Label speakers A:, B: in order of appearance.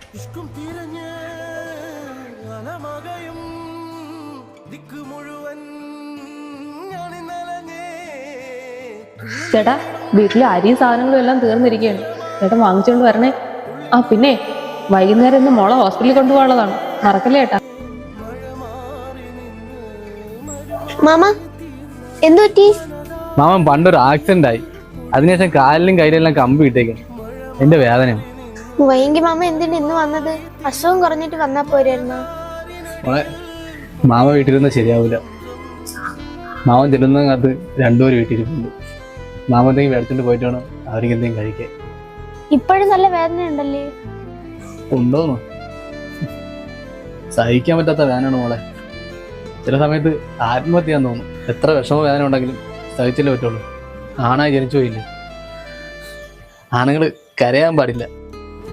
A: ചേട്ടാ, വീട്ടിലെ അരിയും സാധനങ്ങളും എല്ലാം തീർന്നിരിക്കുകയാണ്. ചേട്ടൻ വാങ്ങിച്ചോണ്ട് വരണേ. ആ പിന്നെ വൈകുന്നേരം ഇന്ന് മോളെ ഹോസ്പിറ്റലിൽ കൊണ്ടുപോകാനുള്ളതാണ്, മറക്കല്ലേ ചേട്ടാ.
B: മാമ എന്തു പറ്റി?
C: മാമൻ പണ്ടൊരു ആക്സിഡന്റ് ആയി. അതിനുശേഷം കാലിലും കയ്യിലെല്ലാം കമ്പി ഇട്ടേക്കും. എന്റെ വേദനയാണ്.
B: വൈകി മാമ എന്തിനാ ഇന്ന് വന്നത്? അസുഖം കുറഞ്ഞിട്ട് വന്നാ പോരായിരുന്നോ?
C: മോളെ, മാമ വീട്ടിലിരുന്ന് ശരിയാവില്ല. മാമൻ ചെല്ലുന്നതിനകത്ത് രണ്ടുപേരും വീട്ടിലിരിക്കുന്നു. മാമ എന്തെങ്കിലും മേടിച്ചോണ്ട് പോയിട്ട് വേണം അവർക്ക് എന്തെങ്കിലും കഴിക്കാൻ.
B: ഇപ്പോഴും നല്ല വേദന ഉണ്ടല്ലേ?
C: ഉണ്ടോന്നോ? സഹിക്കാൻ പറ്റാത്ത വേദനയാണ് മോളെ. ചില സമയത്ത് ആത്മഹത്യ ചെയ്യാൻ തോന്നും. എത്ര വിഷമ വേദന ഉണ്ടെങ്കിലും സഹിച്ചല്ലേ പറ്റുള്ളൂ. ആണായി ജനിച്ചു പോയില്ലേ. ആണുങ്ങൾ കരയാൻ പാടില്ല.